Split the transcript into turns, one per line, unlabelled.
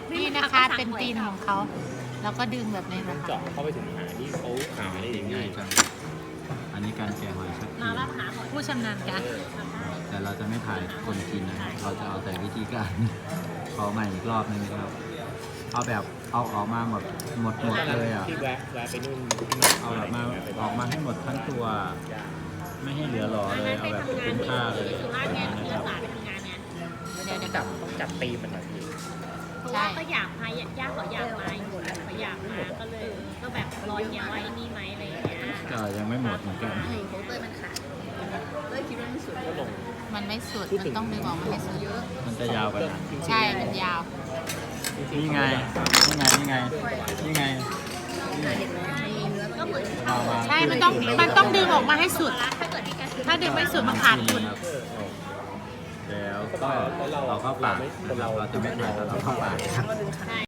นี่นะคะเป็นตีนของเขาแล้วก็ดึงแบบนี้นะ
เจาะเข้าไปถึงหาที่เขาหาได้อย่าง
ง่าย
นี้
จังอันนี้การแกะหอยชัก
มาแล้วหาหอย
ผู้ชำนาญการ
แต่เราจะไม่ถ่ายคนกินนะครับเราจะเอาแต่วิธีการ ขอใหม่อีกรอบนึงนะครับ เอาแบบเอาออกมาหมดเลยอ่ะ
ที่แวะไปนู่น
เอาแบบมาออกมาให้หมดทั้งตัว ไม่ให้เหลือหล่อเลย เอาแบบคุ้มค่าเลย
สุราษฎร์ไง
นะ
มี
ครับ
สารไปทำงานไง
เดี๋ยว
ต้องจับตีมมันหน่อยพี่
เพราะว่าก็อยากพายญาติเขาอยากมาอยู่แล้วเขาอยากมาก็เลยก็แบบรอเนี่ยว่าไอ้นี่ไหมอะไรอย่างเงี้ย
ก็ยังไม่หมดเหมือนกัน
ของเต้ยมันขาดเต้ยคิดว่ามันสุด
ก็ลง
มันไม่สุดมันต้องดึงออกมาให้สุด
มันจะยาวกว่านั้น
ใช่มันยาว
นี่ไง
ก็เหมือน
เอามา
ใช่มันต้องดึงออกมาให้สุด
ถ้าเกิดมีการ
ถ้าดึงไม่สุดมันขาดทุน
แล้วก็เราเข้าปากนะครับเราจะไม่ถ่ายตอนเราเข้าปาก
ใช่